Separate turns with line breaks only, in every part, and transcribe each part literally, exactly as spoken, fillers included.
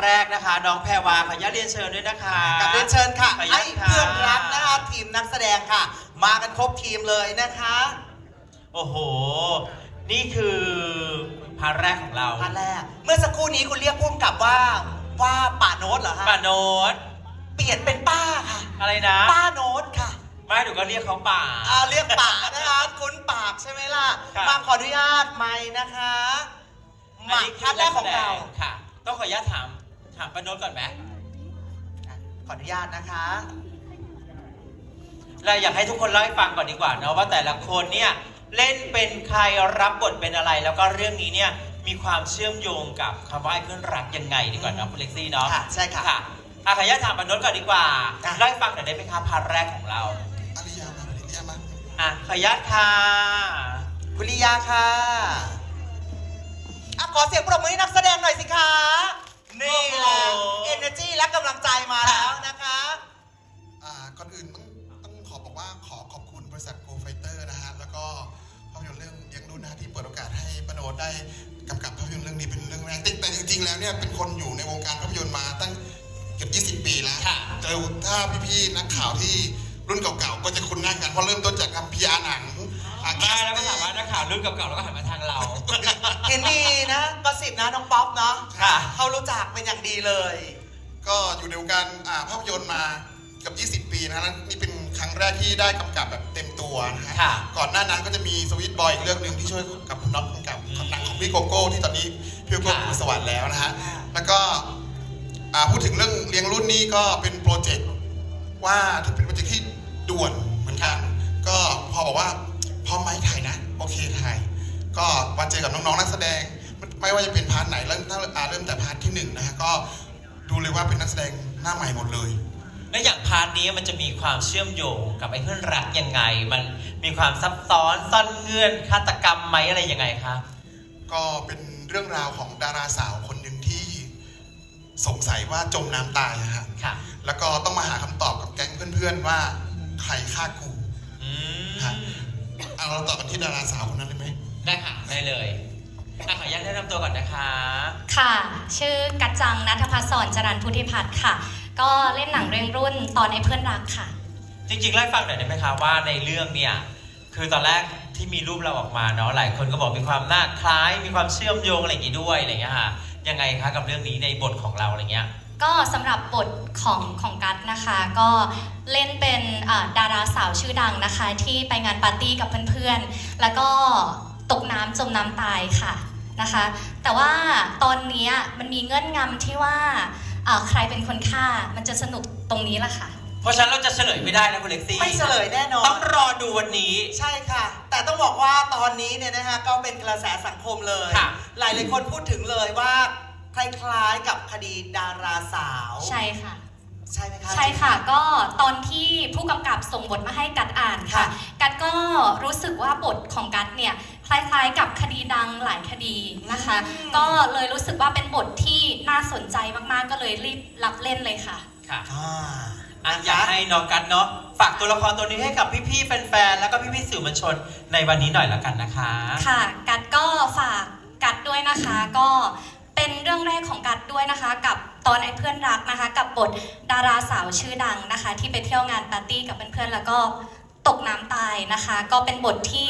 แรกนะคะน้องแพรวาขออนุญาตเรียนเชิญด้วยนะคะ
กับเรียนเชิญค่ะ
ขออนุ
ให้
ญาตค่ะ
เพื่อนรักนะคะทีมนักแสดงค่ะ มากันครบทีมเลยนะคะ
โอ้โหนี่คือพาร์ทแรกของเรา
อันแรกเมื่อสักครู่นี้คุณเรียกพุ่มกับว่าว่าป่าโน้ตเหรอฮะ
ป้าโน้ต
เปลี่ยนเป็นป้าค่ะ
อะไรนะ
ป้าโน้ตค่ะ
ไม่หนูก็เรียกเขาป่า
อ่าเรียกป่านะคะคุ้นปากใช่ไหมล่ะ
ครับ
มาขออนุญาตไม่นะคะมาพาร์ทแรกของเรา
ค่ะ ต้องขออนุญาตถามถามป้าโน้ตก่อนไหม
ขออนุญาตนะคะ
เราอยากให้ทุกคนเล่าให้ฟังก่อนดีกว่าเนาะว่าแต่ละคนเนี่ยเล่นเป็นใครรับบทเป็นอะไร แล้วก็เรื่องนี้เนี่ยมีความเชื่อมโยงกับคำว่าไอ้เพื่อนรักยังไงดีกว่าเนาะคุณเล็กซี่เนาะ
ค่ะใช่ค่ะ
ค่ะอาขออนุญาตถามป้าโน้ตก่อนดีกว่า
จ้ะ
เล่าให้ฟังหน่อยได้ไหมคะพาร์ทแรกของเรา
อริยามาอริยามา
อ่ะขออนุญาตค่ะ
คุณลิยาค่ะอ่ะขอเสียงปรบมือให้นักแสดงหน่อยสิคะนี่แหละ energy และกำลังใจมาแล้วนะคะ
อ่าก่อนอื่นต้องต้องขอบอกว่าขอขอบคุณบริษัทโกไฟเตอร์นะฮะแล้วก็ภาพยนตร์เรื่องเลี้ยงรุ่นนะฮะที่เปิดโอกาสให้ปโนดได้กำกับภาพยนตร์เรื่องนี้เป็นเรื่องแรกแต่จริงๆแล้วเนี่ยเป็นคนอยู่ในวงการภาพยนตร์มาตั้งเกือบยี่สิบปีแล้ว
ค่ะ
เจอถ้าพี่ๆนักข่าวที่รุ่นเก่าๆก็จะคุ้นหน้ากันเพราะเริ่มต้นจากทำพีอาร์หนังอ่ะ
มาแล้วก็ถามว่านักข่าวรุ่นเก่าๆแล้วก็หันมาทางเรา
เห็นมีนะกระสิบนะน้องป๊อปเนาะ
ค่ะ
เขารู้จักเป็นอย่างดีเลย
ก็อยู่ในวงการอ่าภาพยนตร์มาเกือบยี่สิบปีนะฮะนี่เป็นครั้งแรกที่ได้กำกับแบบเต็มตัวนะฮะ
ค่ะ
ก่อนหน้านั้นก็จะมีสวิตบอยอีกเรื่องหนึ่งที่ช่วยกับคุณน็อตกำกับหนังของพี่โกโก้ที่ตอนนี้พี่โกโก้อยู่สวรรค์แล้วนะฮะ
ค่ะ
แล้วก็อ่าพูดถึงเรื่องเลี้ยงรุ่นนี้ก็เป็นโปรเจกต์ว่าเป็นโปรเจกต์ที่ด่วนเหมือนกัน ก็พอบอกว่าพร้อมไหมถ่ายนะโอเคถ่ายก็มาเจอกับน้องๆนักแสดงไม่ว่าจะเป็นพาร์ทไหนเริ่มตั้งอ่าเริ่มแต่พาร์ทที่หนึ่งนะฮะก็ดูเลยว่าเป็นนักแสดงหน้าใหม่หมดเลย
และอย่างพาร์ทนี้มันจะมีความเชื่อมโยงกับไอ้เพื่อนรักยังไง มันมีความซับซ้อนซ่อนเงื่อนฆาตกรรมไหมอะไรยังไงคะ
ก็เป็นเรื่องราวของดาราสาวคนหนึ่งที่สงสัยว่าจมน้ำตายอะฮะ
ค่ะ
แล้วก็ต้องมาหาคำตอบกับแก๊งเพื่อนๆว่าใครฆ่ากู
อืม
ฮะเอาเราต่อกันที่ดาราสาวคนนั้นเลยไหม
ได้ค่ะได้เลยอ่ะขออนุญาตแนะนำตัวก่อนนะคะ
ค่ะ ชื่อกัจจังนัทพัฒน์สอนจรัญพุทธิพัฒน์ค่ะ ก็เล่นหนังเรื่องรุ่นตอนในเพื่อนรักค่ะ
จริงๆเล่าให้ฟังหน่อยได้ไหมคะว่าในเรื่องเนี่ยคือตอนแรกที่มีรูปเราออกมาเนาะหลายคนก็บอกมีความน่าคล้าย มีความเชื่อมโยงอะไรอย่างงี้ด้วยอะไรอย่างเงี้ยค่ะยังไงคะกับเรื่องนี้ในบทของเราอะไรเงี้ย
ก็สำหรับบทของของกัตนะคะ ก็เล่นเป็นอ่าดาราสาวชื่อดังนะคะ ที่ไปงานปาร์ตี้กับเพื่อนๆ แล้วก็ตกน้ำจมน้ำตายค่ะนะคะ แต่ว่าตอนนี้มันมีเงื่อนงำที่ว่าอ่าใครเป็นคนฆ่ามันจะสนุกตรงนี้แหละค่ะ
เพราะฉะนั้นเราจะเฉลยไม่ได้นะคุณเล็กซี่
ไม่เฉลยแน่นอ
ต้
น
องรอดูวันนี้
ใช่ค่ะ แต่ต้องบอกว่าตอนนี้เนี่ยนะฮะก็เป็นกระแสสังคมเลย
ค่ะ
หลายหลายๆคนพูดถึงเลยว่าคล้ายๆกับคดีดาราสาว
ใช่ค่ะ
ใช่ไหมคะ
ใช่ค่ะ ก็ตอนที่ผู้กำกับส่งบทมาให้กัดอ่านค่ะ
ค่ะ
กัดก็รู้สึกว่าบทของกัดเนี่ยคล้ายๆกับคดีดังหลายคดีนะคะ ก็เลยรู้สึกว่าเป็นบทที่น่าสนใจมากๆ ก็เลยรีบรับเล่นเลยค่ะ
ค่ะ
อ่า
อ่ะอยากให้น้องกันเนาะฝากตัวละครตัวนี้ให้กับพี่ๆแฟนๆแล้วก็พี่ๆสื่อมวลชนในวันนี้หน่อยละกันนะคะ
ค่ะ กัดก็ฝากกัดด้วยนะคะ ก็เป็นเรื่องแรกของกัดด้วยนะคะ กับตอนไอ้เพื่อนรักนะคะ กับบทดาราสาวชื่อดังนะคะ ที่ไปเที่ยวงานปาร์ตี้กับเพื่อนๆแล้วก็ตกน้ำตายนะคะ ก็เป็นบทที่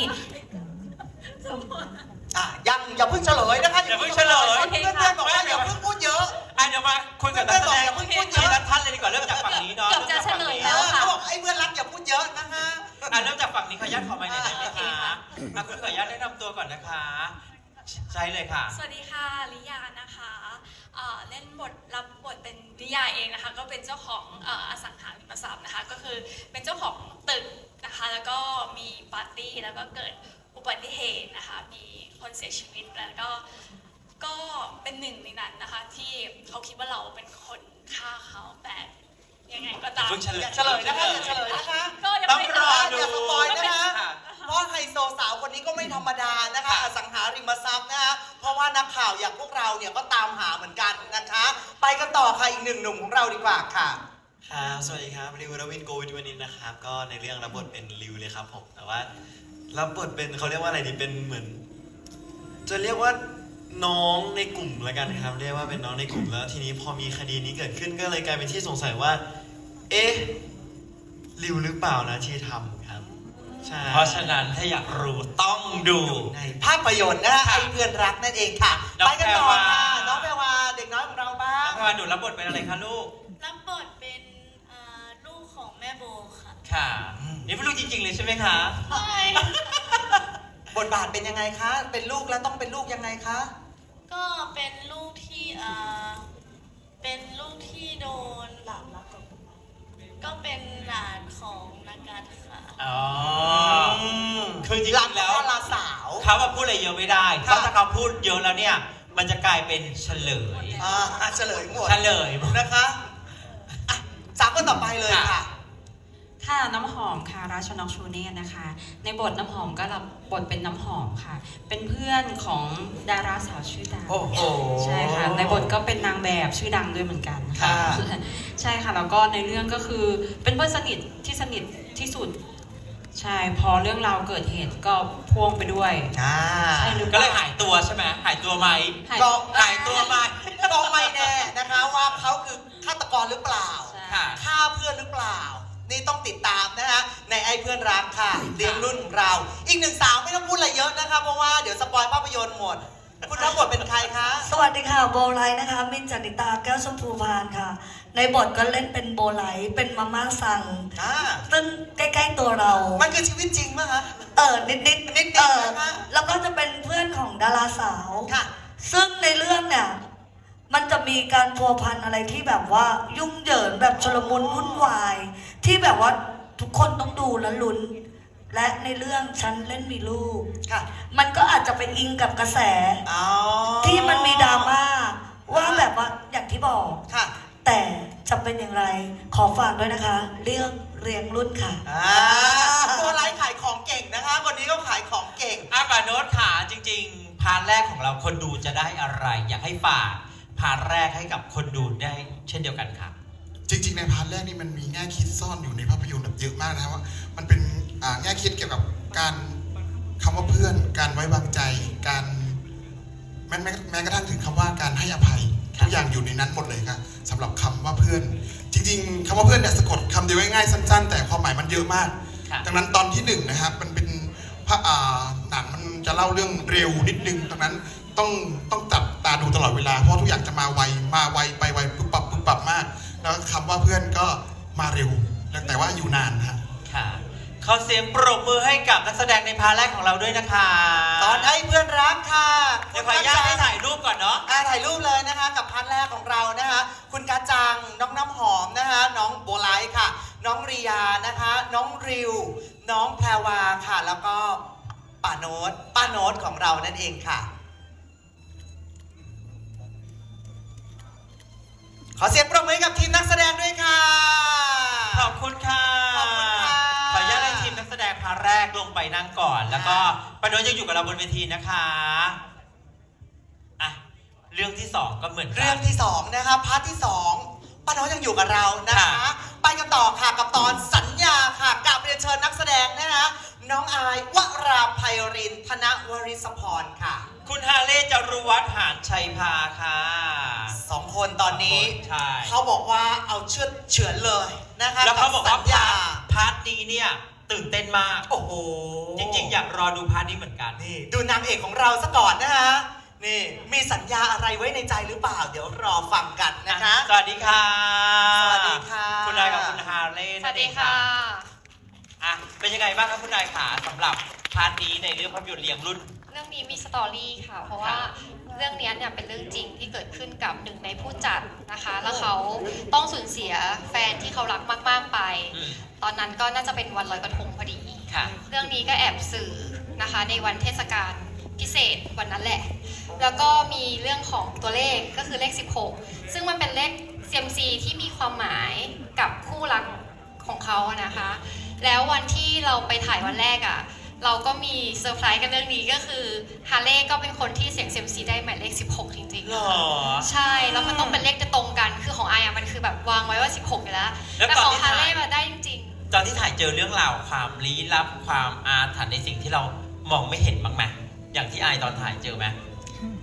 อ่ะยังอย่าเพิ่งเฉลยนะคะ
อย่าเพิ่งเฉลย
เพื่อนๆบอกว่าอย่าเพิ่งพูดเยอะ
อ่ะเดี๋ยวมาคุยกับนักแสดงทีละท่านเลยดีกว่าเริ่มจากฝั่งนี้เนาะ
เกือบจะเฉลยแล้
เอ
ว
อ
ค่ะ
เขาบอกไอ้เพื่อนรักอย่าพูดเยอะนะคะ
อ่ะเริ่มจากฝั่งนี้ขออนุญาตขอไมค์หน่อยได้ไหม
โอเค
คะ
ค่ะ
อ่ะคุณขออนุญาตแนะนำตัวก่อนนะคะ ใช่เลยค่ะ
สวัสดีค่ะลิยานะคะเอ่อเล่นบทรับบทเป็นลิยาเองนะคะ ก็เป็นเจ้าของเอ่ออสังหาริมทรัพย์นะคะ ก็คือเป็นเจ้าของตึกนะคะ แล้วก็มีปาร์ตี้แล้วก็เกิดอุบัติเหตุนะคะ มีคนเสียชีวิตแล้วก็ก็เป็นหนึ่งในนั้นนะคะ ที่เขาคิดว่าเราเป็นคนฆ่าเขาแต่ยังไงก็ตาม
เพิ่งเฉล
อย่าเฉลยนะคะอย่าเฉลยนะคะ
ก็ยัง
ต้อง
ไม่
รอดู
อย่าสปอยนะคะ
ค่ะ
เพราะไฮโซสาวคนนี้ก็ไม่ธรรมดานะคะ
ค่ะ
อสังหาริมทรัพย์นะคะ เพราะว่านักข่าวอย่างพวกเราเนี่ยก็ตามหาเหมือนกันนะคะ ไปกันต่อค่ะอีกหนึ่งหนุ่มของเราดีกว่าค่ะ
ครับสวัสดีครับริวรวินโกวิทวนินนะครับ ก็ในเรื่องรับบทเป็นริวเลยครับผมแต่ว่ารับบทเป็นเขาเรียกว่าอะไรดีเป็นเหมือน จะเรียกว่าน้องในกลุ่มละกันครับเรียกว่าเป็นน้องในกลุ่มแล้วทีนี้พอมีคดีนี้เกิดขึ้นก็เลยกลายเป็นที่สงสัยว่า เอ๊ะริวหรือเปล่านะที่ทำครับใช่
เพราะฉะนั้นถ้าอยากรู้ต้องดู
ในภาพยนตร์นะไอ้เพื่อนรักนั่นเองค่ะ
น้อง
ไปกันต่อค่ะ
แพรวา
น้องแพรวาเด็กน้อยของเราบ้า
น้อง งแพรวาหนูรับบทเป็นอะไรคะลูก
รับบทเป็นเอ่อลูกของแม่โบค่ะ
ค่ะ นี่เป็นลูกจริงๆเลยใช่ไหมคะ
ใช่
บทบาทเป็นยังไงคะ เป็นลูกแล้วต้องเป็นลูกยังไงคะ
ก็เป็นลูกที่เอ่อเป็นลูกที่โดนหลานรักกับก็เป็นหลานของนักการค่ะ
อ๋อ คือจริง
หลัง
ๆแล้ว
ดาราสาว
เขาว่าพูดอะไรเยอะไม่ได้เพ
ค่ะ
ราะถ้าเขาพูดเยอะแล้วเนี่ย มันจะกลายเป็นเฉลย
อ่าเฉลยหมด
เฉลย
นะคะอ่ะจากคนต่อไปเลยค่ะ
ค่ะ
ค่ะน้ำหอมค่ะราชนกชูเนตนะคะ ในบทน้ำหอมก็รับบทเป็นน้ำหอมค่ะ เป็นเพื่อนของดาราสาวชื่อดัง
โอ้โห
ใช่ค่ะในบทก็เป็นนางแบบชื่อดังด้วยเหมือนกัน
ค่ะ
ใช่ค่ะแล้วก็ในเรื่องก็คือเป็นเพื่อนสนิทที่สนิทที่สุดใช่พอเรื่องราวเกิดเหตุก็พ่วงไปด้วย
อ่า
ใช่หรือเป
ก็
ล่า
เลยหายตัวใช่ไหมหายตัวไหม
หาย
ก็
หายตัวไหม
ก็ไม่แน่นะคะว่าเขาคือฆาตกรหรือเปล่า
ใช่
ค่ะ
ฆ่าเพื่อนหรือเปล่า นี่ต้องติดตามนะฮะในไอ้เพื่อนรักค่ะเลี้ยงรุ่นของเรา อีกหนึ่งสาวไม่ต้องพูดอะไรเยอะนะคะเพราะว่าเดี๋ยวสปอยภาพยนตร์หมด คุณรับบทเป็นใครคะ
สวัสดีค่ะโบไลท์นะคะ มินท์จนิตาแก้วชมพูพานค่ะ ในบทก็เล่นเป็นโบไลท์เป็นมาม่าสั่ง
อ่า
ซึ่งใกล้ๆตัวเรา
มันคือชีวิตจริงไหมคะ
เออนิดๆ
นิดๆ
เออ
นะคะ
แล้วก็จะเป็นเพื่อนของดาราสาว
ค่ะ
ซึ่งในเรื่องเนี่ย มันจะมีการพัวพันอะไรที่แบบว่ายุ่งเหยิงแบบชลมุนวุ่นวาย ที่แบบว่าทุกคนต้องดูและลุ้น และในเรื่องฉันเล่นมีลูก
ค่ะ
มันก็อาจจะไปอิงกับกระแส
อ๋อ
ที่มันมีดราม่าว่าแบบว่าอย่างที่บอก
ค่ะ
แต่จะเป็นอย่างไรขอฝากด้วยนะคะ เรื่องเรียงรุ่นค่ะ
อ่าตัวไลฟ์ขายของเก่งนะคะคนนี้ก็ขายของเก่ง
อาปาโนตขาจริงๆ พาร์ทแรกของเราคนดูจะได้อะไร อยากให้ฝากพาร์ทแรกให้กับคนดูได้เช่นเดียวกันค่ะ
จริงๆในพาร์ทแรกนี่มันมีแง่คิดซ่อนอยู่ในภาพยนตร์แบบเยอะมากนะครับว่ามันเป็นอ่าแง่คิดเกี่ยวกับการคำว่าเพื่อน การไว้วางใจ การแม้แม้แม้กระทั่งถึงคำว่าการให้อภัยทุกอย่างอยู่ในนั้นหมดเลยครับสำหรับคำว่าเพื่อน จริงๆคำว่าเพื่อนเนี่ยสะกดคำเดียวง่ายๆสั้นๆ แต่ความหมายมันเยอะมาก
ค่ะ
ดังนั้นตอนที่หนึ่งนะครับมันเป็นพระอ่าหนังมันจะเล่าเรื่องเร็วนิดนึงดังนั้นต้องต้องจับตาดูตลอดเวลาเพราะทุกอย่างจะมาไวมาไวไปไวปุ๊บปับปุ๊บปับมาก แล้วคำว่าเพื่อนก็มาเร็วแต่ว่าอยู่นานฮะ
ค่ะขอเสียงปรบมือให้กับนักแสดงในพาร์ทแรกของเราด้วยนะคะ
ตอนไอ้เพื่อนรักค่ะ
เดี๋ยวขออนุญาตให้ถ่ายรูปก่อนเนาะ
อ่าถ่ายรูปเลยนะคะกับพาร์ทแรกของเรานะคะคุณกาจังน้องน้ำหอมนะคะน้องโบไลท์ค่ะ น้องริยานะคะ น้องริว น้องแพรวาค่ะ แล้วก็ป้าโน้ตป้าโน้ตของเรานั่นเองค่ะ ขอเสียงปรบมือให้กับทีมนักแสดงด้วยค่ะ
ขอบคุณค่ะ
ขอบคุณค่ะ
ขออนุญาตให้ทีมนักแสดงพาร์ทแรกลงไปนั่งก่อน แล้วก็ปาโนตยังอยู่กับเราบนเวทีนะคะอ่ะเรื่องที่สองก็เหมือนกั
เรื่องที่สองนะคะพาร์ทที่สองป้าโน้ตยังอยู่กับเรานะคะ
ค่ะ
ไปกันต่อค่ะกับตอนสัญญาค่ะกับเรียนเชิญนักแสดงนะคะน้องอายวราไพรินทร์ธนวริศพรค่ะ
คุณฮาเล่จารุวัฒน์หานชัยพาค่ะ
สองคนตอนนี้
ใช่
เขาบอกว่าเอาเชือดเฉือนเลยนะคะ
แล้วเขาบอกว่า
สัญญา
พาร์ทนี้เนี่ยตื่นเต้นมาก
โอ้โห
จริงๆ อยากรอดูพาร์ทนี้เหมือนกัน
นี่ดูนางเอกของเราซะก่อนนะคะนี่มีสัญญาอะไรไว้ในใจหรือเปล่า เดี๋ยวรอฟังกันนะคะ
สวัสดีค่ะ
สวัสดีค่ะ
คุณนายกับคุณฮาเล่
สวัสดีค่ะ
อ่ะเป็นยังไงบ้างครับคุณนายขาสำหรับพาร์ทนี้ในเรื่องภาพยนตร์เลี้ยงรุ่น
เรื่องนี้มีสตอรี่ค่ะ เพราะว่าเรื่องนี้เนี่ยเป็นเรื่องจริงที่เกิดขึ้นกับหนึ่งในผู้จัดนะคะ แล้วเขาต้องสูญเสียแฟนที่เขารักมาก ๆไป
อืม
ตอนนั้นก็น่าจะเป็นวันลอยกระทงพอดี
ค่ะ
เรื่องนี้ก็แอบสื่อนะคะในวันเทศกาลพิเศษวันนั้นแหละ แล้วก็มีเรื่องของตัวเลขก็คือเลขสิบหกซึ่งมันเป็นเลข ซี เอ็ม ซี ที่มีความหมายกับคู่รักของเขาอะนะคะ แล้ววันที่เราไปถ่ายวันแรกอะเราก็มีเซอร์ไพรส์กันเรื่องนี้ก็คือฮาเล่ก็เป็นคนที่เสียง ซี เอ็ม ซี ได้หมายเลขสิบหกจริง
หรอ
ๆ ใช่ แล้วมันต้องเป็นเลขจะตรงกัน คือของไออะมันคือแบบวางไว้ว่าสิบหกอยู่แล้ว
แล้ว
แต่
ตอน
ของ
ที่
ฮา
ถ่าย
เล่มาได้จริง
ตอนที่ถ่ายเจอเรื่องราวความลี้ลับความอาถรรพ์ในสิ่งที่เรามองไม่เห็นบ้างไหมอย่างที่ไอายตอนถ่ายเจอไหม
ๆ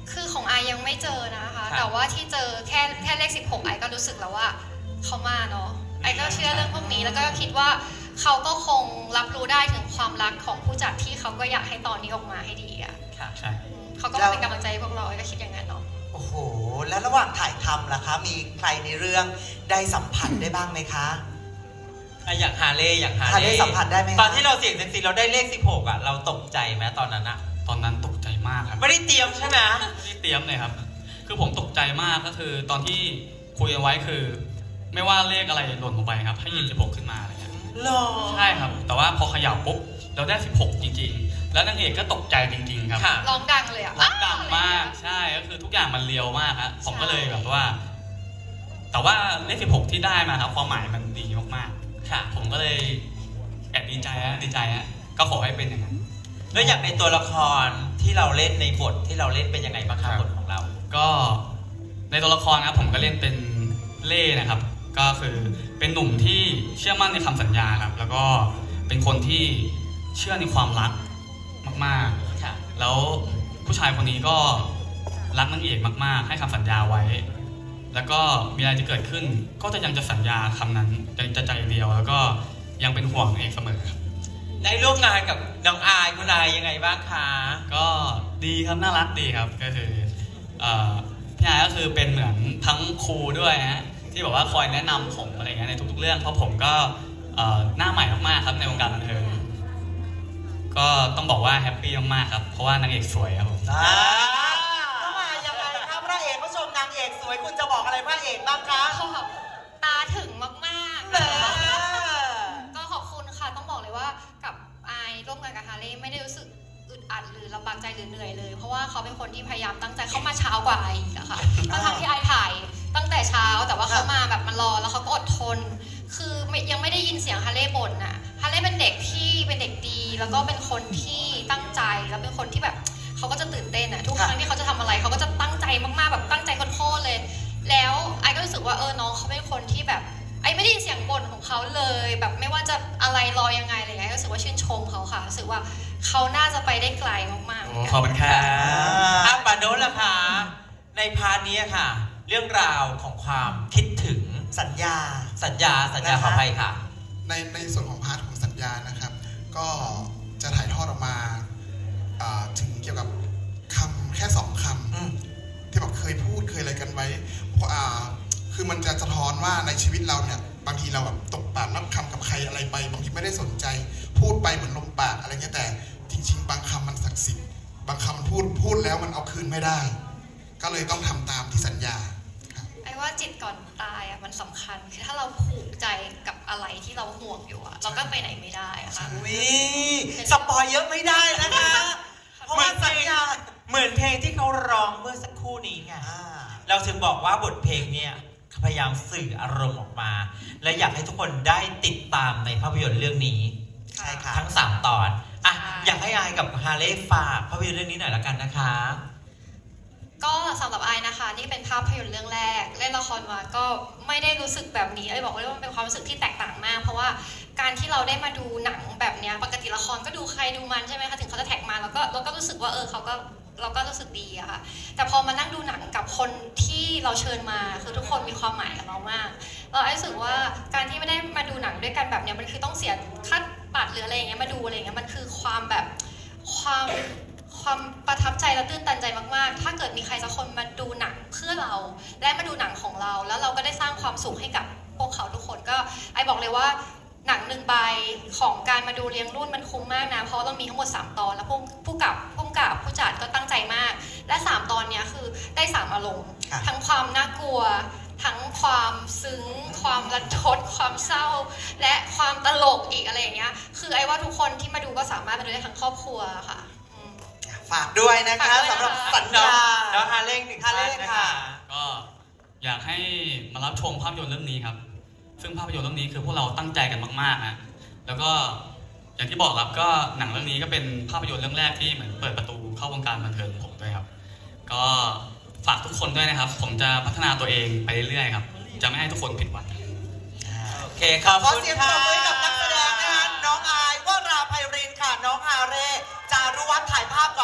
คือของไอยังไม่เจอนะคะ
ครับ
แต่ว่าที่เจอแค่แค่เลขสิบหกไอก็รู้สึกแล้วว่าเขามาเนาะไอก็เชื่อเรื่องพวกนี้แล้วก็คิดว่าเขาก็คงรับรู้ได้ถึงความรักของผู้จัดที่เขาก็อยากให้ตอนนี้ออกมาให้ดีอะ
ค่ะ
ใช่
เขาก็เป็นกำลังใจให้พวกเราไอก็คิดอย่างนั้นเนาะ
โอ้โห แล้วระหว่างถ่ายทำล่ะคะ มีใครในเรื่องได้สัมผัสได้บ้างไหมคะ
อ่ะอย่างฮาเล่อย่างฮา
ฮาเล่
เล่
สัมผัสได้ไหมคะ
ตอนที่เราเสี่ยงเซ็กซี่เราได้เลขสิบหกอ่ะเราตกใจไหมตอนนั้นอ่ะ
ตอนนั้นตกใจมากครับ
ไม่ได้เตรียมใช่ไหม
ไม่ได้เตรียมเลยครับ คือผมตกใจมากก็คือตอนที่คุยกันไว้คือ ไม่ว่าเลขอะไรหล่นลงไปครับ ให้หยิบสิบหกขึ้นมาอะไรเงี้ย
หรอ
ใช่ครับ แต่ว่าพอเขย่าปุ๊บเราได้สิบหกจริงๆ แล้วนางเอกก็ตกใจจริงๆครับ
ค่ะ
ร้องดังเลยอะ
ร้องดังมากใช่ก็คือทุกอย่างมันเรียวมากฮะผมก็เลยแบบว่า แต่ว่าเลขสิบหกที่ได้มาครับความหมายมันดีมาก
ค่ะ
ๆ ผมก็เลยแอบดีใจฮะดีใจฮะก็ขอให้เป็นอย่างนั้น
แล้วอย่างในตัวละครที่เราเล่นในบทที่เราเล่นเป็นยังไงบ้างครับ
ครับ
บทของเรา
ก็ในตัวละครนะครับผมก็เล่นเป็นเล่นะครับ ก็คือเป็นหนุ่มที่เชื่อมั่นในคำสัญญาครับ แล้วก็เป็นคนที่เชื่อในความรักมาก
ค่ะ
ๆ แล้วผู้ชายคนนี้ก็รักนางเอกมากๆ ให้คำสัญญาไว้ แล้วก็มีอะไรจะเกิดขึ้น ก็จะยังจะสัญญาคำนั้นยังจะใจเดียว แล้วก็ยังเป็นห่วงนางเอกเสมอครับ
ได้ร่วมงานกับน้องอายคุณอายยังไงบ้างคะ
ก็ดีครับน่ารักดีครับก็คือเอ่อพี่อายก็คือเป็นเหมือนทั้งครูด้วยฮะที่บอกว่าคอยแนะนำผมอะไรเงี้ยในทุกๆเรื่องเพราะผมก็เอ่อหน้าใหม่มากๆครับในวงการบันเทิงก็ต้องบอกว่าแฮปปี้มากๆครับเพราะว่านางเอกสวยครับผม
อ่าเข้ามายังไงคะพระเอกผู้ชมนางเอกสวยคุณจะบอกอะไรพระเอกบ้างคะ
เขาแบบตาถึงมากๆ
เออ
ก็ขอบคุณค่ะ ต้องบอกเลยว่ากับไอายร่วมงานกับฮาเล่ไม่ได้รู้สึกอึดอัดหรือลำบากใจหรือเหนื่อยเลย เพราะว่าเขาเป็นคนที่พยายามตั้งใจเข้ามาเช้ากว่าไออีกอะค่ะทั้งๆที่ไอถ่ายตั้งแต่เช้าแต่ว่าเขามาแบบมันรอแล้วเขาก็อดทน คือไม่ยังไม่ได้ยินเสียงฮาเล่บ่นน่ะฮาเล่เป็นเด็กที่เป็นเด็กดี แล้วก็เป็นคนที่ตั้งใจแล้วเป็นคนที่แบบเขาก็จะตื่นเต้นอะทุกครั้งที่เขาจะทำอะไรเขาก็จะตั้งใจมากๆแบบตั้งใจโคตรๆเลย แล้วไอก็รู้สึกว่าเออน้องเขาเป็นคนที่แบบไอไม่ได้ยินเสียงบ่นของเขาเลย แบบไม่ว่าจะอะไรรอยังไงอะไรเงี้ยก็รู้สึกว่าชื่นชมเขาค่ะรู้สึกว่าเขาน่าจะไปได้ไกลมากๆเหมือนกัน
ขอบคุณครับ
อ่ะปาโนนล่ะคะในพาร์ทนี้ค่ะ เรื่องราวของความคิดถึง
สัญญา
สัญญาสัญญา
นะคะ
ขออภัยค่ะ
ในในส่วนของพาร์ทของสัญญานะครับ ก็จะถ่ายทอดออกมาอ่าถึงเกี่ยวกับคำแค่สองค
อืม
ำที่แบบเคยพูดเคยอะไรกันไว้เพราะอ่าคือมันจะสะท้อนว่าในชีวิตเราเนี่ยบางทีเราแบบตกปากรับคำกับใครอะไรไปบางทีไม่ได้สนใจ พูดไปเหมือนลมปากอะไรเงี้ยแต่จริง ๆ บางคำมันศักดิ์สิทธิ์บางคำมันพูดพูดแล้วมันเอาคืนไม่ได้ ก็เลยต้องทำตามที่สัญญา
ไอ้ว่าจิตก่อนตายอ่ะมันสำคัญคือถ้าเราผูกใจกับอะไรที่เราห่วงอยู่อ่ะเราก็ไปไหนไม่ได้อะค่ะ
วิสปอยเยอะไม่ได้นะคะ เพราะว่าสัญญา
เหมือนเพลงที่เขาร้องเมื่อสักครู่นี้ไง
อ่า
เราถึงบอกว่าบทเพลงเนี่ยพยายามสื่ออารมณ์ออกมา และอยากให้ทุกคนได้ติดตามในภาพยนตร์เรื่องนี้
ใช่ค่ะ
ทั้งสามตอนอ่ะ
ใช่
อยากให้อายกับฮาเล่ฝากภาพยนตร์เรื่องนี้หน่อยละกันนะคะ
ก็สำหรับไอนะคะนี่เป็นภาพยนตร์เรื่องแรกเล่นละครมาก็ไม่ได้รู้สึกแบบนี้ไอยบอกเลยว่ามันเป็นความรู้สึกที่แตกต่างมาก เพราะว่าการที่เราได้มาดูหนังแบบเนี้ยปกติละครก็ดูใครดูมันใช่ไหมคะถึงเขาจะแท็กมาแล้วก็เราก็รู้สึกว่าเออเขาก็เราก็รู้สึกดีอะค่ะแต่พอมานั่งดูหนังกับคนที่เราเชิญมาคือทุกคนมีความหมายกับเรามากเราไอรู้สึกว่าการที่ไม่ได้มาดูหนังด้วยกันแบบเนี้ยมันคือต้องเสียค่าบัตรหรืออะไรอย่างเงี้ยมาดูอะไรอย่างเงี้ยมันคือความแบบความความประทับใจและตื้นตันใจมากๆ ถ้าเกิดมีใครสักคนมาดูหนังเพื่อเราและมาดูหนังของเรา แล้วเราก็ได้สร้างความสุขให้กับพวกเขาทุกคนก็ไอบอกเลยว่าหนังหนึ่งใบของการมาดูเลี้ยงรุ่นมันคุ้มมากนะเพราะเรามีทั้งหมดสามตอนแล้วผู้ผู้กับผู้กำกับผู้จัดก็ตั้งใจมาก และสามตอนเนี้ยคือได้สามอารมณ์
ค่ะ
ทั้งความน่ากลัว ทั้งความซึ้ง ความรันทดความเศร้า และความตลกอีกอะไรอย่างเงี้ยคือไอ้ว่าทุกคนที่มาดูก็สามารถมาดูได้ทั้งครอบครัวค่ะอืม
ฝากด้วยนะคะ
ฝากด้วยนะคะ
สำหรับสัญ
น้อง
ญา
น้องฮาเล่หนึ่ง
ฮาเล่
ท่นน
ค่ะ
ก็อยากให้มารับชมภาพยนตร์เรื่องนี้ครับ ซึ่งภาพยนตร์เรื่องนี้คือพวกเราตั้งใจกันมากๆนะแล้วก็อย่างที่บอกครับก็หนังเรื่องนี้ก็เป็นภาพยนตร์เรื่องแรกที่เหมือนเปิดประตูเข้าวงการบันเทิงผมด้วยครับ ก็ฝากทุกคนด้วยนะครับ ผมจะพัฒนาตัวเองไปเรื่อยๆครับ จะไม่ให้ทุกคนผิดหวัง
โอเคขอบ
ขอ
คุณ
เสียงป
ค่ะ
รบมือให้กับนักแสดงนะคะน้องอายวราไพรินทร์ค่ะ น้องฮาเร่จารุวัฒน์ถ่ายภาพก่อน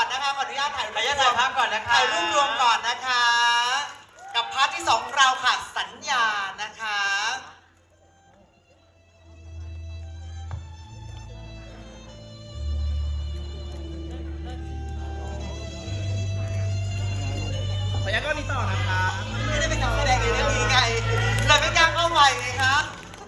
นะคะขออนุญาตถ่าย
ขออนุญาตถ่ายภาพก่อนนะคะ
ถ่ายรูปรวมก่อนนะคะ กับพาร์ทที่สองของเราค่ะสัญญานะคะ
ขออนุญาตก็นี้ต่อนะคะ
ไม่ได้เป็นการแสดงในเรื่องนี้ไงเลยไม่กล้าเข้าไปไงคะ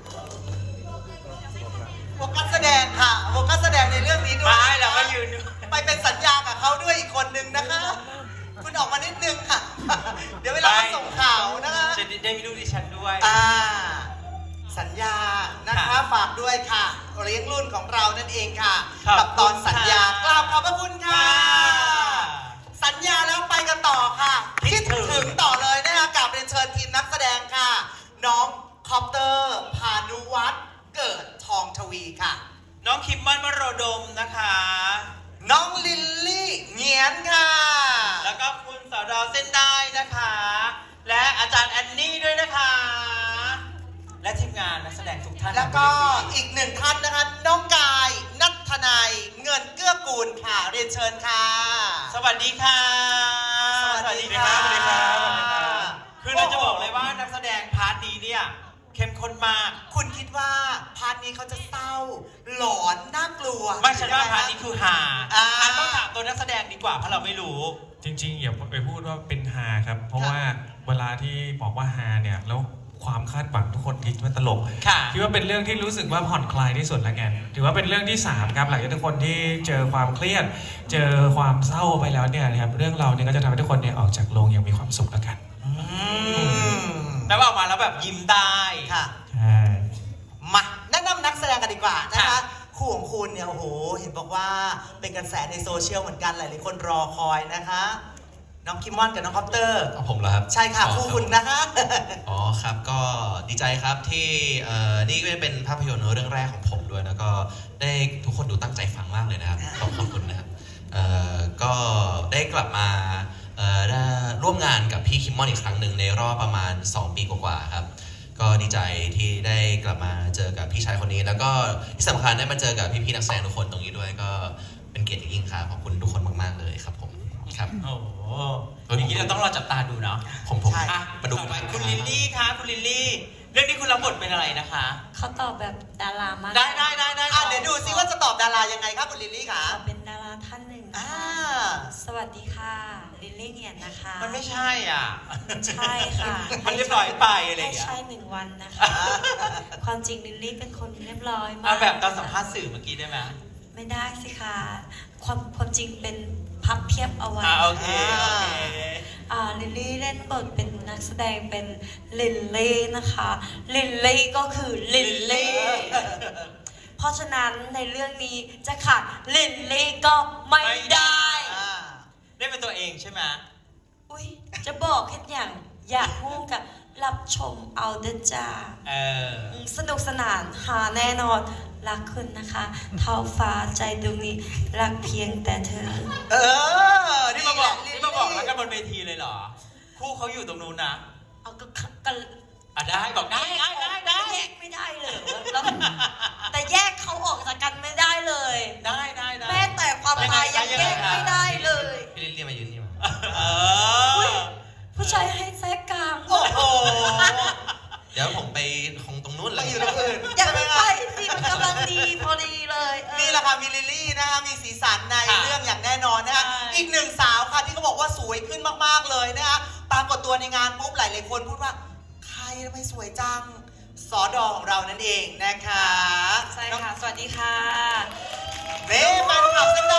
โฟกัสแสดงค่ะโฟกัสแสดงในเรื่องนี้ด้วย
ไม่เราก็ยืน
ไปเป็นสัญญากับเขาด้วยอีกคนนึงนะคะ คุณออกมานิดนึงค่ะ เดี๋ยวเวลาเขาส่งข่าวนะคะ
จะได้มีลูกดิฉันด้วย
อ่าสัญญานะคะ
ค่ะ
ฝากด้วยค่ะเลี้ยงรุ่นของเรานั่นเองค่ะ
ขอบ
กับตอน
คุณ
สัญญา
ค่ะ
กราบขอบพระคุณค่ะ
ค่ะ
สัญญาแล้วไปกันต่อค่ะ
คิ
คิ
ด
ด
ถึง
ถึงต่อเลยนะคะกับเรียนเชิญทีมนักแสดงค่ะ น้องคอปเตอร์ พานุวัฒน์เกิดทองทวีค่ะ
น้องคิมมอนมโรดมนะคะ
น้องลิลลี่เงียนค่ะ
แล้วก็คุณสาวดาวเส้นได้นะคะ และอาจารย์แอนนี่ด้วยนะคะ และทีมงานนักแสดงทุกท่าน
แล้วก็อีกหนึ่งท่านนะคะ น้องกายนัทนายเงินเกื้อกูลค่ะ เรียนเชิญค่ะ
สวัสดีค่ะ
สวัสดีค่ะ
สวัสดีครับสวัสดีครับคือเราจะบอกเลยว่านักแสดงพาร์ทนี้เนี่ยเข้มข้นมาก
คุณคิดว่าพาร์ทนี้เขาจะเศร้า หลอนน่ากลัว
ไม่ใช่ว่าพาร์ทนี้คือฮา
อ่า
อ่ะต้องถามตัวนักแสดงดีกว่าเพราะเราไม่รู้
จริงๆอย่าไปพูดว่าเป็นฮาครับ เพราะว่าเวลาที่บอกว่าฮาเนี่ยแล้วความคาดหวังทุกคนคิดว่าตลก
ค่ะ
คิดว่าเป็นเรื่องที่รู้สึกว่าผ่อนคลายที่สุดแล้วกันถือว่าเป็นเรื่องที่สามครับหลังจากทุกคนที่เจอความเครียด เจอความเศร้าไปแล้วเนี่ยนะครับเรื่องเราเนี่ยก็จะทำให้ทุกคนเนี่ยออกจากโรงอย่างมีความสุขแล้วกัน
อืม
แล้วออกมาแล้วแบบยิ้มได้
ค่ะ
ใช่
มาแนะนำนักแสดงกันดีกว่านะคะ
ค่ะ
คู่ของคุณเนี่ยโอ้โหเห็นบอกว่าเป็นกระแสในโซเชียลเหมือนกันหลายๆคนรอคอยนะคะ น้องคิมมอนกับน้องคอปเตอร์
เอาผมเหรอครับ
ใช่ค่ะ
อ๋อ
คู่คุณนะคะ
อ๋อครับก็ดีใจครับที่เอ่อนี่ก็เป็นภาพยนตร์เรื่องแรกของผมด้วยแล้วก็ได้ทุกคนดูตั้งใจฟังมากเลยนะครับขอบขอบคุณนะครับเอ่อก็ได้กลับมาเอ่อได้ร่วมงานกับพี่คิมมอนอีกครั้งหนึ่งในรอบประมาณสองปีกว่าๆครับก็ดีใจที่ได้กลับมาเจอกับพี่ชายคนนี้ แล้วก็ที่สำคัญได้มาเจอกับพี่ๆนักแสดงทุกคนตรงนี้ด้วยก็เป็นเกียรติอย่างยิ่งครับขอบคุณทุกคนมากๆเลยครับผมครับ
โอ้โหอย่างนี้เราต้องรอจับตาดูเนาะ
ผมผม
ใช่
อ่ะ
มาดู
ต่อไป
กัน
คุณลิลลี่คะคุณลิลลี่ เรื่องนี้คุณรับบทเป็นอะไรนะคะ
เขาตอบแบบดารามาก
ได้ได้ได้ได้
อ่ะเดี๋ยวดูซิว่าจะตอบดารายังไงครับคุณลิลลี่คะ
เขาเป็นดาราท่านหนึ่ง
อ่า
สวัสดีค่ะ ลิลลี่เนียนนะคะ
มันไม่ใช่อ่ะ
ใช่ค่ะ
มันเรียบร้อยไปอะไรอย่าง
ให้
เงี้ย
ใช่หนึ่งวันนะคะ ความจริงลิลลี่เป็นคนเรียบร้อยมาก
เอาแบบตอนสัมภาษณ์สื่อเมื่อกี้ได้ไหม
ไม่ได้สิคะความความจริงเป็นพับเพียบเอาไว้
อ่าโอเคโอเค
อ่าลิลลี่เล่นบทเป็นนักแสดงเป็นลิลลี่นะคะ ลิลลี่ก็คือลิลลี่ เพราะฉะนั้นในเรื่องนี้จะขาดลิลลี่ก็ไม่ได้
อ่า
ได้เป็นตัวเองใช่ไหม
อุ้ยจะบอกแค่อย่างอยากพูดกับรับชมเอาเดอจ้า
เออ
อืมสนุกสนานหาแน่นอนรักคุณนะคะเท้าฟ้าใจดวงนี้รักเพียงแต่เธอ
เออ
นี่มาบอก
แหละ
นี่มาบอกแล้วกันบนเวทีเลยเหรอ คู่เขาอยู่ตรงนู้นนะ
เอาก็กัน
อ่ะได้บอกได้ได้ได้ได้
แยกไม่ได้เลยแล้วแต่แยกเขาออกจากกันไม่ได้เลย
ได้ได้ได้
แม้แต่ความตายยังแยกไม่ได้เลย
พี่ลิลลี่มายืนนี่มา
เออ
ผู้ชายให้แทรกกลาง
โอ้โห
เดี๋ยวผมไปคงตรงนู้นเล
ไป
ย
อยู่ตรงอื่น
อย่าไปไปสิมันกำลังดีพอดีเลยเออ
นี่แหละค่ะมีลิลลี่นะคะมีสีสันใน
ค่ะ
เรื่องอย่างแน่นอนนะคะ
ใช่
อีกหนึ่งสาวค่ะที่เขาบอกว่าสวยขึ้นมากๆเลยนะคะปรากฏตัวในงานปุ๊บหลายๆคนพูดว่าใครทำไมสวยจังสอดอของเรานั่นเองนะคะ
ใช่ค่ะ สวัสดีค่ะ
เน่แฟนคลับกันได้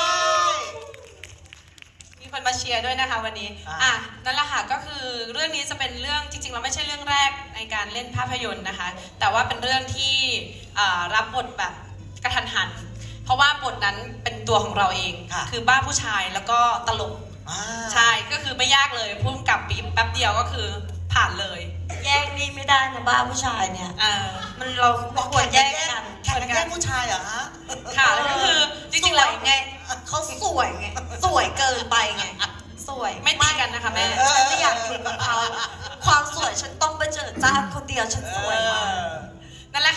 มีคนมาเชียร์ด้วยนะคะวันนี้
อ่า
อ่ะ นั่นแหละค่ะ ก็คือเรื่องนี้จะเป็นเรื่องจริงๆเราไม่ใช่เรื่องแรกในการเล่นภาพยนตร์นะคะ แต่ว่าเป็นเรื่องที่อ่ารับบทแบบกระทันหัน เพราะว่าบทนั้นเป็นตัวของเราเอง
ค่ะ
คือบ้าผู้ชายแล้วก็ตลก
อ่า
ใช่ ก็คือไม่ยากเลยพุ่งกับปีบแป๊บเดียวก็คือผ่านเลย
แยกนี่ไม่ได้นะบ้าผู้ชายเนี่ย
เออ
มันเราไม่ควรแยกกัน
แข่งกันแย่งผู้ชายเหรอฮะ
ค่ะแล้วก็คือจริงๆแล้ว
สวยไงเขาสวยไง สวยเกินไปไง สวย
ไม่ตีกันนะคะแม่
ฉันไม่อยากอยู่กับเขา ความสวยฉันต้องไปเจอจ้าคนเดียวฉันสวยมาก
นั่นแหละค่ะ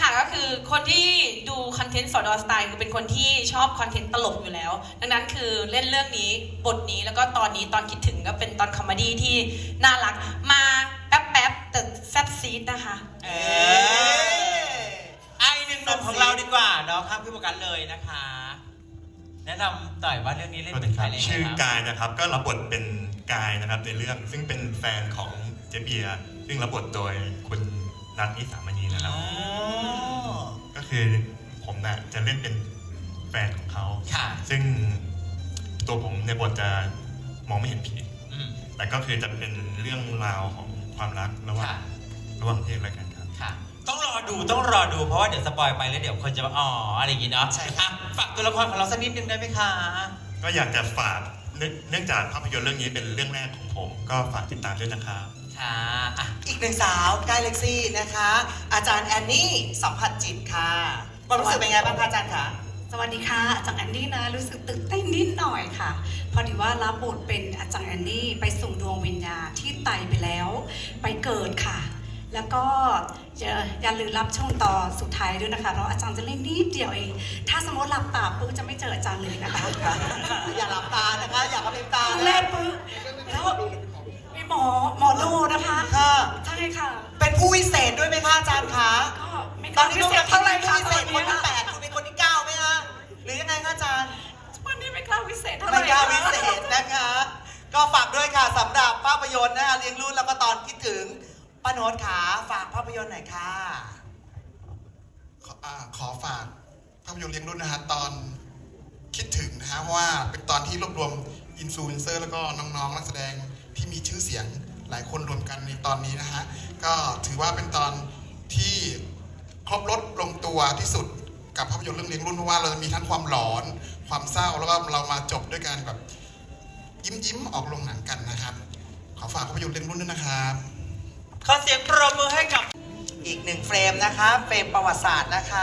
ค่ะก็คือคนที่ดูคอนเทนต์สอดอสไตล์คือเป็นคนที่ชอบคอนเทนต์ตลกอยู่แล้ว ดังนั้นคือเล่นเรื่องนี้บทนี้แล้วก็ตอนนี้ตอนคิดถึงก็เป็นตอนคอมเมดี้ที่น่ารักมาแป๊บๆแต่แซ่บซีดนะคะ
เออไอหนึ่งหนุ่มของเราดีกว่าเนาะข้ามพี่โฟกัสเลยนะคะ แนะนำหน่อยว่าเรื่องนี้เล่นเป็นใครเลย
ชื่อ
ครับ
กายนะครับก็รับบทเป็นกายนะครับในเรื่องซึ่งเป็นแฟนของเจเบียร์ซึ่งรับบทโดยคุณนัทนิสามณีนะครับ
อ๋อ
ก็คือผมน่ะจะเล่นเป็นแฟนของเขา
ค่ะ
ซึ่งตัวผมในบทจะมองไม่เห็นผี
อืม
แต่ก็คือจะเป็นเรื่องราวของความรักระหว่าง
ค่ะ
ระหว่างเพศอะไรกันครับ
ค่ะ ต้องรอดูต้องรอดูเพราะว่าเดี๋ยวสปอยไปแล้วเดี๋ยวคนจะมาอ๋ออะไรอย่างงี้เนาะ
ใช่
อ่ะฝากตัวละครของเราสักนิดนึงได้ไหมคะ
ก็อยากจะฝากเนื่องเนื่องจากภาพยนตร์เรื่องนี้เป็นเรื่องแรกของผม ก็ฝากติดตามด้วยนะครับ
ค่ะอ่ะ
อีกหนึ่งสาวใกล้เล็กซี่นะคะ อาจารย์แอนนี่สัมผัสจิตค่ะความรู้สึกเป็นไงบ้างคะอาจารย์คะ
สวัสดีค่ะอาจารย์แอนดี้นะรู้สึกตื่นเต้นนิดหน่อยค่ะ พอดีว่ารับบทเป็นอาจารย์แอนดี้ไปส่งดวงวิญญาณที่ตายไปแล้วไปเกิดค่ะ แล้วก็อย่าอย่าลืมรับช่วงต่อสุดท้ายด้วยนะคะเพราะอาจารย์จะเล่นนิดเดียวเอง ถ้าสมมติหลับตาปุ๊บจะไม่เจออาจารย์เลยนะคะ
อย่าหลับตานะคะ อย่ากระพริบตา
แร
นะ
กปุ๊บแล้วมีหมอหมอดูนะคะ
ค่ะ
ใช่ค่ะ
เป็นผู้วิเศษด้วยไหมคะอาจารย์คะ
ก็ไม่
ตอนนี้
พิ
ลูก
เศ
เรา
ษเท่าไหร่
ผู้
ค่ะ
วิ
ต
เศ
อ
ษ
น
คน
เนี้ย
ที่แปดคุณเป็นคนที่เก้าไหมคะหรือยังไงคะอาจารย์
วันนี้ไม่กล้าวิเศษเท่าไหร่
ไม่กล้าวิเศษนะคะ ก็ฝากด้วยค่ะสำหรับภาพยนตร์นะคะเลี้ยงรุ่นแล้วก็ตอนคิดถึงป้าโน้ตขาฝากภาพยนตร์หน่อยค่ะ
ขออ่าขอฝากภาพยนตร์เลี้ยงรุ่นนะฮะตอนคิดถึงนะฮะเพราะว่าเป็นตอนที่รวบรวมอินฟลูเอนเซอร์แล้วก็น้องๆนักแสดงที่มีชื่อเสียงหลายคนรวมกันในตอนนี้นะฮะก็ถือว่าเป็นตอนที่ครบรถลงตัวที่สุดกับภาพยนตร์เรื่องเลี้ยงรุ่นเพราะว่าเราจะมีทั้งความหลอนความเศร้าแล้วก็เรามาจบด้วยกันแบบยิ้มยิ้มๆออกโรงหนังกันนะครับขอฝากภาพยนตร์เลี้ยงรุ่นด้วยนะครับ
ขอเสียงปรบมือให้กับ
อีกหนึ่งเฟรมนะคะ เฟรมประวัติศาสตร์นะคะ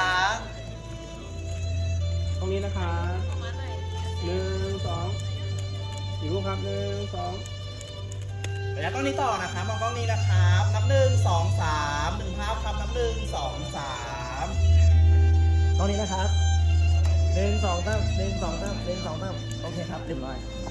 ตรงนี้นะคะหนึ่งสองอีกรูปครับหนึ่งสองเดี๋ยวกล้องนี้ต่อนะครับมองกล้องนี้นะครับนับหนึ่งสองสามหนึ่งภาพครับนับหนึ่งสองสามกล้องนี้นะครับหนึ่งสองสามหนึ่งสองสามหนึ่งสองสามโอเคครับเรียบร้อย